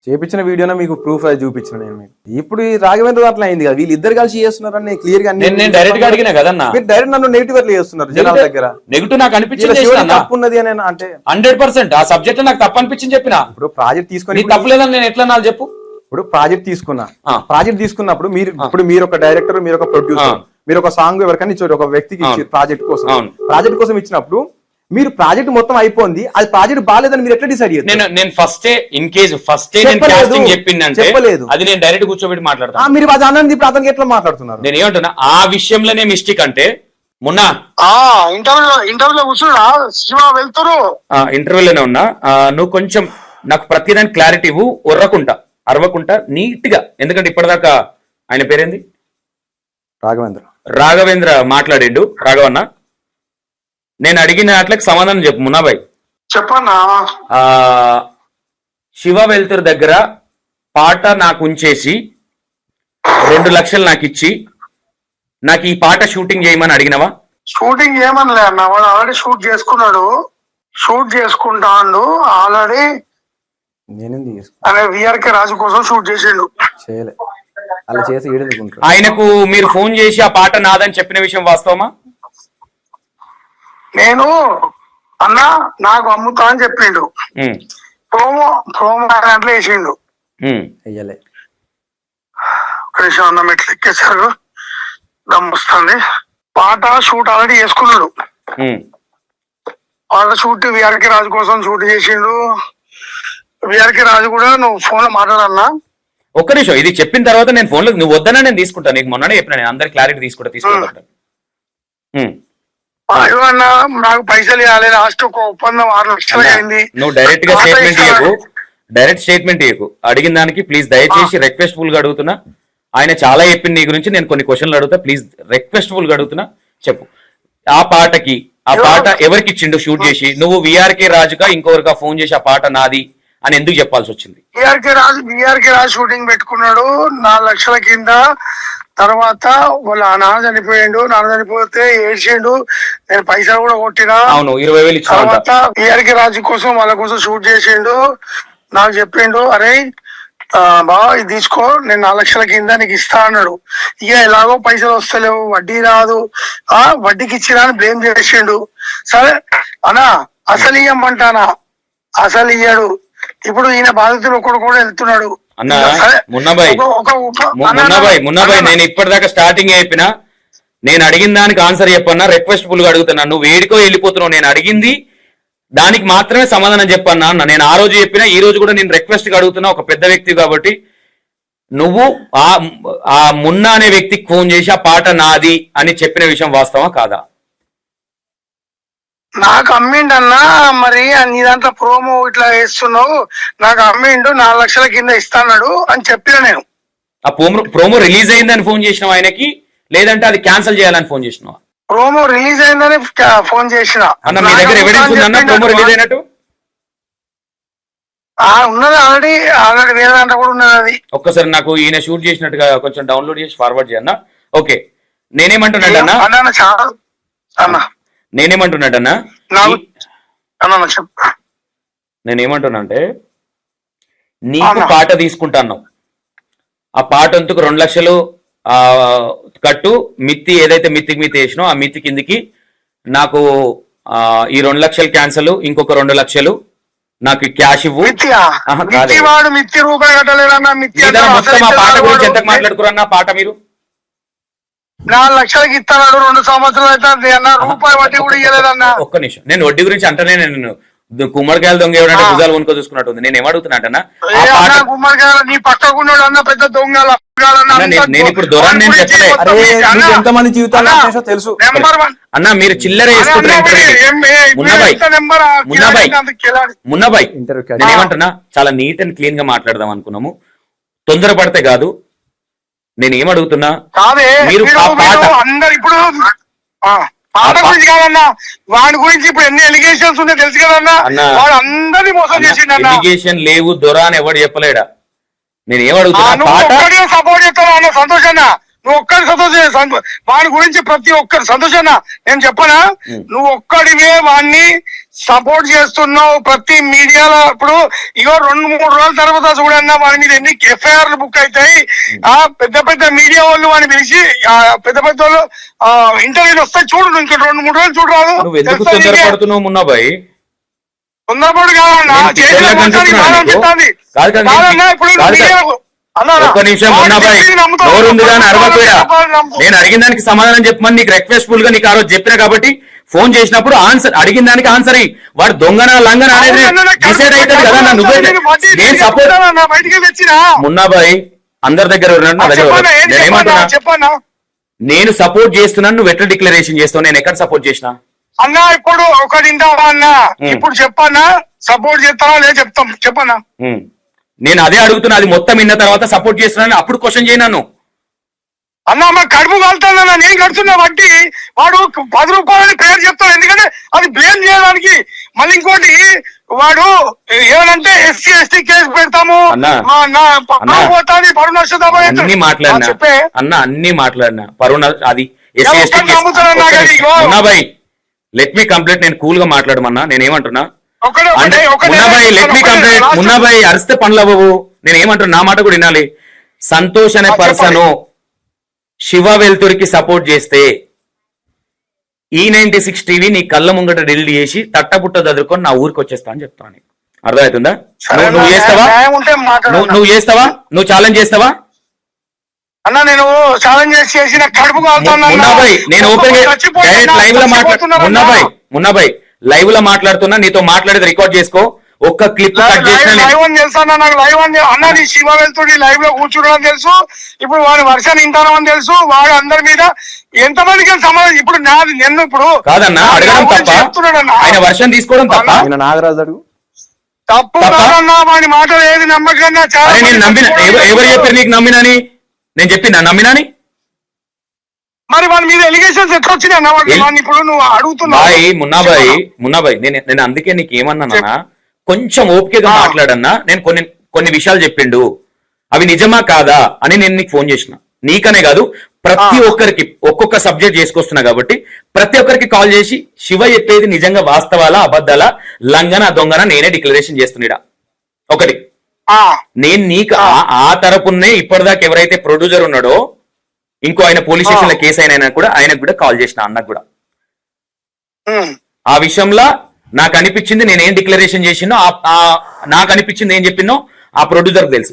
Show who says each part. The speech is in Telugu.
Speaker 1: చేపించిన వీడియోనే మీకు ప్రూఫ్ అది చూపించిన నేను మీకు. ఇప్పుడు ఈ రాఘవేంద్ర అట్లా అయింది కదా, వీళ్ళిద్దరు కలిసి చేస్తున్నారని క్లియర్ గా
Speaker 2: నేను డైరెక్ట్ గా అడిగినా కదన్నా,
Speaker 1: మీరు డైరెక్ట్ నన్ను నెగిటివ్ అట్లా చేస్తున్నారు జనాల దగ్గర.
Speaker 2: నెగిటివ్ నాకు అనిపించింది,
Speaker 1: తప్పు ఉన్నది అని అంటే
Speaker 2: 100% ఆ సబ్జెక్ట్ నాకు తప్పు అనిపించింది చెప్పిన.
Speaker 1: ఇప్పుడు ప్రాజెక్ట్ తీసుకొని
Speaker 2: తప్పు లేదని నేను ఎట్లా నాకు చెప్పు.
Speaker 1: ఇప్పుడు ప్రాజెక్ట్ తీసుకున్నప్పుడు మీరు ఒక డైరెక్టర్, మీరు ఒక ప్రొడ్యూసర్, మీరు ఒక సాంగ్ ఎవరికైనా ఇచ్చారు, ఒక వ్యక్తికి ఇచ్చారు ప్రాజెక్ట్ కోసం ఇచ్చినప్పుడు మీరు ప్రాజెక్ట్ మొత్తం అయిపోయింది, అది ప్రాజెక్ట్ బాగాలేదని మీరు ఎట్లా డిసైడ్ చేయాలి?
Speaker 2: నేను ఫస్ట్ చెప్పలేదు, అది నేను డైరెక్ట్ కూర్చోబెట్టి మాట్లాడతాను.
Speaker 1: మీరు అది అన్నది ఇప్పుడు అతనికి ఎట్లా మాట్లాడుతున్నారు?
Speaker 2: నేను ఏమంటున్నా, ఆ విషయంలోనే మిస్టేక్ అంటే మొన్న
Speaker 3: ఇంటర్వ్యూలో కూర్చున్నా శివ వెళ్తారు,
Speaker 2: ఇంటర్వ్యూలోనే ఉన్నా. నువ్వు కొంచెం నాకు ప్రతిదాని క్లారిటీ ఇవ్వు, అరవకుంటా నీట్ గా. ఎందుకంటే ఇప్పటిదాకా ఆయన పేరేంది, రాఘవేంద్ర మాట్లాడిండు. రాఘవన్న, నేను అడిగిన వాటికి సమాధానం చెప్పు. మున్నాబాయ్
Speaker 3: చెప్పన్నా.
Speaker 2: శివ వెల్తురు దగ్గర పాట నాకు ఉంచేసి 2 లక్షలు నాకు ఇచ్చి నాకు ఈ పాట షూటింగ్ చేయమని అడిగినవా?
Speaker 3: షూటింగ్ చేయమనిలే అన్న, వాడు ఆల్రెడీ షూట్ చేసుకుంటాడు ఆల్రెడీ. విఆర్కే రాజు కోసం షూట్ చేసిండు.
Speaker 1: అలా చేసి
Speaker 2: ఆయనకు మీరు ఫోన్ చేసి ఆ పాట నాదని చెప్పిన విషయం వాస్తవమా?
Speaker 3: నేను అన్నా నాకు అమ్ముతా అని చెప్పిండు. ప్రోమో దాంట్లో వేసిండు. ఒక నిమిషం అన్న, మెట్లు ఎక్కేసారు, దమ్ముస్తుంది. పాట షూట్ ఆల్రెడీ చేసుకున్నాడు. పాట షూట్ విఆర్కే రాజు కోసం షూట్ చేసిండు. విఆర్కే రాజు కూడా నువ్వు ఫోన్ లో మాట్లాడాలన్నా.
Speaker 2: ఒక్క నిమిషం, ఇది చెప్పిన తర్వాత నేను ఫోన్ లో నువ్వు వద్దనా నేను తీసుకుంటాను. నీకు మొన్ననే చెప్పిన, నేను అందరి క్లారిటీ తీసుకుంటా.
Speaker 3: నాకు పైసలు ఇవ్వాలి, లాస్ట్ ఒక ఒప్పందం 6 లక్షలు అయింది.
Speaker 2: నువ్వు డైరెక్ట్ స్టేట్మెంట్ ఇవ్వకు. అడిగిన దానికి ప్లీజ్ దయచేసి రిక్వెస్ట్ఫుల్ గా అడుగుతున్నా. ఆయన చాలా చెప్పింది నీ గురించి, నేను కొన్ని క్వశ్చన్లు అడుగుతా, ప్లీజ్ రిక్వెస్ట్ఫుల్ గా అడుగుతున్నా, చెప్పు. ఆ పాట ఎవరికి ఇచ్చిండు షూట్ చేసి? నువ్వు విఆర్కే రాజుగా ఇంకొకరిగా ఫోన్ చేసి ఆ పాట నాది అని ఎందుకు చెప్పాల్సి వచ్చింది?
Speaker 3: విఆర్కే రాజు షూటింగ్ పెట్టుకున్నాడు 4 లక్షల కింద. తర్వాత వాళ్ళ నాన్న చనిపోతే ఏడ్చిండు, నేను పైసలు కూడా కొట్టినా.
Speaker 2: అవును, 20,000
Speaker 3: తర్వాత విఆర్కే రాజు కోసం వాళ్ళ కోసం షూట్ చేసిండు. నాకు చెప్పిండు, అరే బావ ఇది తీసుకో, నేను 4 లక్షల కింద నీకు ఇస్తా అన్నాడు. ఇక ఎలాగో పైసలు వస్తలేవు, వడ్డీ రాదు, వడ్డీకి ఇచ్చినా అని బ్లేమ్ చేసిండు. సరే అన్నా అసలు ఇయ్యమంటానా, అసలు ఇయ్యాడు. ఇప్పుడు ఈయన బాధితులు ఒకడు కూడా వెళ్తున్నాడు.
Speaker 2: మున్నాబాయ్, నేను ఇప్పటిదాకా స్టార్టింగ్ అయిపోయినా, నేను అడిగిన దానికి ఆన్సర్ చెప్పన్నా, రిక్వెస్ట్ఫుల్ గా అడుగుతున్నా. నువ్వు వేడికో వెళ్ళిపోతున్నావు. నేను అడిగింది దానికి మాత్రమే సమాధానం చెప్పన్నా అన్న. నేను ఆ రోజు చెప్పినా, ఈ రోజు కూడా నేను రిక్వెస్ట్ గా అడుగుతున్నా. ఒక పెద్ద వ్యక్తి కాబట్టి నువ్వు ఆ మున్నా అనే వ్యక్తికి ఫోన్ చేసి ఆ పాట నాది అని చెప్పిన విషయం వాస్తవా కాదా?
Speaker 3: నాకు అమ్మిండన్నా, మరి నీ దాంట్లో ప్రోమో ఇట్లా వేస్తున్నావు, నాకు అమ్మిండు 4 లక్షల కింద ఇస్తాడు అని చెప్పిన నేను.
Speaker 2: ఆ ప్రోమో రిలీజ్ అయిందని ఫోన్ చేసినావు ఆయనకి, లేదంటే అది క్యాన్సిల్ చేయాలని ఫోన్ చేసినావా?
Speaker 3: ప్రోమో రిలీజ్ అయిందని ఫోన్ చేసిన.
Speaker 2: అన్న, మీ దగ్గర ఎవిడెన్స్ ఉందన్న ప్రోమో రిలీజ్ అయినట్టు?
Speaker 3: ఉన్నది, ఆల్రెడీ వేరే దాంట్లో కూడా ఉన్నది. అది
Speaker 2: ఒక్కసారి నాకు ఈయన షూట్ చేసినట్టుగా కొంచెం డౌన్లోడ్ చేసి ఫార్వర్డ్ చేయన్నా. ఓకే, నేనేమంటున్నాడన్నా నేనేమంటున్నా అంటే, నీకు పాట తీసుకుంటాను, ఆ పాట అంతకు 2 లక్షలు కట్టు, మిత్తి ఏదైతే మిత్తికి వేసినో ఆ మిత్తి కిందికి నాకు ఈ 2 లక్షలు క్యాన్సల్, ఇంకొక 2 లక్షలు నాకు క్యాష్ ఇవ్వు. మొత్తం ఆ పాట గురించి ఎంత మాట్లాడుకురన్నా? పాట మీరు
Speaker 3: 4 లక్షలకి ఇస్తాడు, 2 సంవత్సరాలు అయితే అన్న, రూపాయి వడ్డీ కూడా ఇవ్వలేదన్న.
Speaker 2: ఒక్క నిమిషం, నేను వడ్డీ గురించి అంటేనే నేను కుమ్మడికాయలు దొంగ ఎవరంటే భుజాలు కొనుక్కో చూసుకున్నట్టు నేను ఏమడుగుతున్నా
Speaker 3: కుమ్మడికాయలు నీ పక్కకున్నాడు అన్న పెద్ద దొంగలు.
Speaker 2: నేను ఇప్పుడు దొరాన్ని నేను చెప్పలే,
Speaker 1: ఎంతమంది జీవితాలు తెలుసు
Speaker 2: అన్న. మీరు చిల్లర వేసుకుంటారు. మున్నాబాయ్, నేనేమంటున్నా, చాలా నీట్ అండ్ క్లీన్ గా మాట్లాడదాం అనుకున్నాము, తొందరపడితే కాదు. నేను ఏమడుగుతున్నా, మీరు
Speaker 3: అందరు ఇప్పుడు పాట గురించి కాదన్నా, వాడి గురించి ఇప్పుడు ఎన్ని ఎలిగేషన్స్ ఉన్నాయో తెలుసు కదన్నా. వాడు అందరినీ మోసం చేసిండు.
Speaker 2: ఎలిగేషన్ లేవు, దొరా అని ఎవడు చెప్పలేడా? నేను ఏమడుగుతున్నా,
Speaker 3: సపోర్ట్ చేస్తాను అన్న సంతోష్ అన్న, నువ్వు ఒక్కడి సంతోషం వాడి గురించి ప్రతి ఒక్కరు సంతోషాన్న నేను చెప్పనా, నువ్వు ఒక్కడివే వాడిని సపోర్ట్ చేస్తున్నావు ప్రతి మీడియాలో. ఇప్పుడు ఇగో 2-3 రోజుల తర్వాత చూడన్నా వాడి మీద ఎన్ని ఎఫ్ఐఆర్లు బుక్ అవుతాయి. ఆ పెద్ద పెద్ద మీడియా వాళ్ళు వాడిని పిలిచి పెద్ద పెద్ద వాళ్ళు ఇంటర్వ్యూలు వస్తాయి చూడు, ఇంకా 2-3 రోజులు చూడరాదు.
Speaker 2: తొందరపడుతున్నావు మున్నాబాయ్,
Speaker 3: తొందరపడు కాదన్నా,
Speaker 2: ఒక్క నిమిషం మున్నాబాయ్, నోరుంది కానీ అరవకపోయా. నేను అడిగిన దానికి సమాధానం చెప్పమని నీకు రిక్వెస్ట్ఫుల్ గా నీకు ఆ రోజు చెప్పినా కాబట్టి ఫోన్ చేసినప్పుడు ఆన్సర్ అడిగిన దానికి ఆన్సర్ అయ్యి వాడు దొంగన లంగన అనేది డిసైడ్ అవుతుంది కదా. నువ్వే నేను సపోర్ట్ మున్నాబాయ్ అందరి దగ్గర నేనేమంటున్నా, నేను సపోర్ట్ చేస్తున్నాను, నువ్వు ఎట్లా డిక్లరేషన్ చేస్తావు? నేను ఎక్కడ సపోర్ట్ చేసినా
Speaker 3: అన్నా? ఇప్పుడు ఒకటి ఇంటావా అన్నా? ఇప్పుడు చెప్పన్నా సపోర్ట్ చేస్తావా లేదా చెప్తాం చెప్పన్నా.
Speaker 2: నేను అదే అడుగుతున్నా, అది మొత్తం విన్న తర్వాత సపోర్ట్ చేస్తున్నాను అప్పుడు క్వశ్చన్ చేయను.
Speaker 3: అన్నా మా కడుపు కాలుతానన్నా, నేను కడుతున్నా బట్టి వాడు 10 రూపాయలని పేరు చెప్తాడు, ఎందుకంటే అది బ్లేమ్ చేయడానికి. మళ్ళీ ఇంకోటి వాడు ఏమనంటే ఎస్సీ ఎస్టీ కేసు పెడతాము
Speaker 2: అన్ని మాట్లాడినా అన్న, అన్ని మాట్లాడినా పరుణ అది SC ST Munnabhai let me complaint. నేను కూల్ గా మాట్లాడమన్నా, నేనేమంటున్నా Munnabhai let me complaint. Munnabhai అరిస్తే పనులు అవ్వవు. నేనేమంటున్నా, నా మాట కూడా వినాలి. సంతోష్ అనే పర్సన్ శివ వెల్తురికి సపోర్ట్ చేస్తే E96 టీవీ నీ కళ్ళ ముంగట డిలీట్ చేసి తట్టబుట్ట చదువుకొని నా ఊరికి వచ్చేస్తా అని చెప్తాను. అర్థమవుతుందా? నువ్వు చేస్తావా? నువ్వు చేస్తావా? నువ్వు ఛాలెంజ్ చేస్తావా?
Speaker 3: అన్నా నేను ఛాలెంజ్ చేసిన కడుపు
Speaker 2: మున్నాబాయ్, నేను ఓపెన్ లైవ్ లో మున్నాబాయ్ మున్నాబాయ్ లైవ్ లో మాట్లాడుతున్నా, నీతో మాట్లాడేది రికార్డ్ చేసుకో. ఒక్క క్లిప్ కట్ చేసిన
Speaker 3: లైవ్ అని తెలుసు అన్న, నాకు లైవ్ అని అన్న నీ శివ వెళ్తుడి లైవ్ లో కూర్చోడం తెలుసు, ఇప్పుడు వాడు వర్షాన్ని ఇంటానని తెలుసు, వాడు అందరి మీద ఎంతమందికి సమాధానం. ఇప్పుడు నాది నిన్ను ఇప్పుడు
Speaker 2: కాదన్నా అడగడం తప్ప, ఆయన వర్షం తీసుకోవడం తప్ప,
Speaker 1: నాగరాజు అడుగు
Speaker 3: తప్పు కాదన్నా. వాడి మాటలు ఏది నమ్మకన్నా. చాలా
Speaker 2: నేను నమ్మిన ఎవరు చెప్పారు నీకు నమ్మినాని? నేను చెప్పినా నమ్మినాని?
Speaker 3: మరి వాడి మీద ఎలిగేషన్స్ ఎట్లా వచ్చినాయి అన్న? వాడిని ఇప్పుడు నువ్వు అడుగుతున్నావు.
Speaker 2: మున్నాబాయ్ నేను అందుకే నీకు ఏమన్నానా, కొంచెం ఓపికగా మాట్లాడన్నా. నేను కొన్ని విషయాలు చెప్పిండు, అవి నిజమా కాదా అని నేను నీకు ఫోన్ చేసిన. నీకనే కాదు ప్రతి ఒక్కరికి ఒక్కొక్క సబ్జెక్ట్ చేసుకొస్తున్నా కాబట్టి ప్రతి ఒక్కరికి కాల్ చేసి శివ చెప్పేది నిజంగా వాస్తవాలా అబద్ధాలా లంగన దొంగన నేనే డిక్లరేషన్ చేస్తున్నా. ఒకటి నేను నీకు ఆ తరపునే ఇప్పటిదాకా ఎవరైతే ప్రొడ్యూసర్ ఉన్నాడో ఇంకో ఆయన పోలీస్ స్టేషన్ లో కేసు అయినా కూడా ఆయనకు కూడా కాల్ చేసిన, అన్నకు కూడా ఆ విషయంలో నాకు అనిపించింది నేనేం డిక్లరేషన్ చేసినో నాకు అనిపించింది ఏం చెప్పినో ఆ ప్రొడ్యూసర్ తెలుసు.